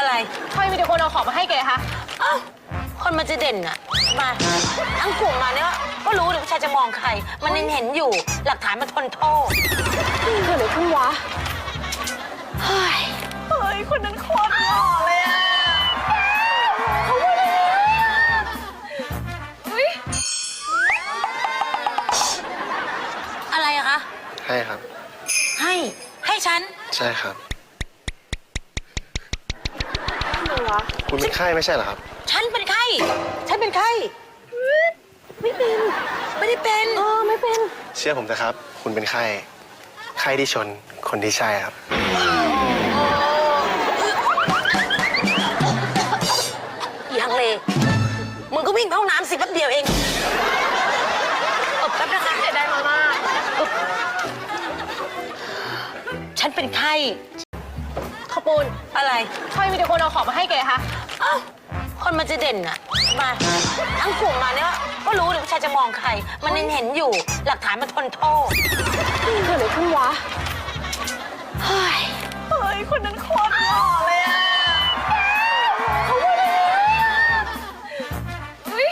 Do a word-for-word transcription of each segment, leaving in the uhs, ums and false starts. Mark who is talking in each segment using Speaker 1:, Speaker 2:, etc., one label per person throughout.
Speaker 1: อะไร
Speaker 2: ทำไมมีแต่คนเอาของมาให้แกคะ
Speaker 1: อ้าวคนมันจะเด่นอะมาทั้งกลุ่มมาเนี่ยก็รู้เลยว่าชายจะมองใคร มันยังเห็นอยู่หลักฐานมันทนโทษ
Speaker 2: เกิดอะไรขึ้นวะ
Speaker 1: เฮ้ย
Speaker 2: เฮ้ย คนนั้นโคตรหล่อเลยอะเขาพูดอะไรอะเฮ้ย
Speaker 1: อะไรอะคะ
Speaker 3: ให้ครับ
Speaker 1: ให้ให้ฉัน
Speaker 3: ใช่ครับ
Speaker 2: อะไรวะ
Speaker 3: คุณเป็นไข้ไม่ใช่เหรอครับ
Speaker 1: ฉันเป็นไข้ฉันเป็นไข้
Speaker 2: ไม่เป็น
Speaker 1: ไม่ได้เป็น
Speaker 2: เออไม่เป็น
Speaker 3: เชื่อผมนะครับ คุณเป็นไข้ไข้ที่ชนคนที่ใช่ครับ
Speaker 1: ยังเลยมึงก็วิ่งเข้าห้องน้ำสิแป๊บเดียวเองเออแป๊บนะคะ
Speaker 2: เสียดายมาม่า
Speaker 1: ฉันเป็นไข้
Speaker 2: ข้าวปูน
Speaker 1: อะไร
Speaker 2: ทำไมมีแต่คนเอาของมาให้แกคะ
Speaker 1: อ้าวคนมันจะเด่นอะมาทั้งกลุ่มมาเนี่ยก็รู้เลยว่าชายจะมองใคร มันยังเห็นอยู่หลักฐานมันทนโทษ
Speaker 2: เกิดอะไรขึ้นวะ
Speaker 1: เฮ้ย
Speaker 2: เฮ้ย คนนั้นโคตรหล่อเลยอะเขาพูดอะไรอะเฮ้ย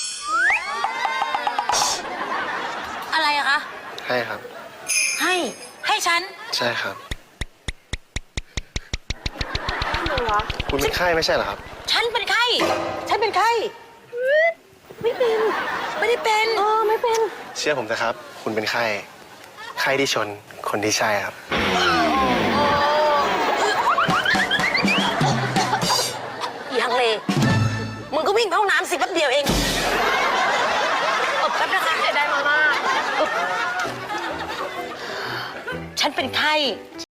Speaker 1: อะไรอะคะ
Speaker 3: ให้ครับ
Speaker 1: ให้ให้ฉัน
Speaker 3: ใช่ครับ
Speaker 2: อะไรวะ
Speaker 3: คุณเป็นไข้ไม่ใช่เหรอครับ
Speaker 1: ฉันเป็นไข้ฉันเป็นไข้
Speaker 2: ไม่เป็น
Speaker 1: ไม่ได้เป็น
Speaker 2: เออไม่เป็น
Speaker 3: เชื่อผมนะครับ คุณเป็นไข้ไข้ที่ชนคนที่ใช่ครับ
Speaker 1: ยังเลยมึงก็วิ่งเข้าห้องน้ำสิแป๊บเดียวเองเออแป๊บนะคะ
Speaker 2: เสียดายมาม่า
Speaker 1: ฉันเป็นไข้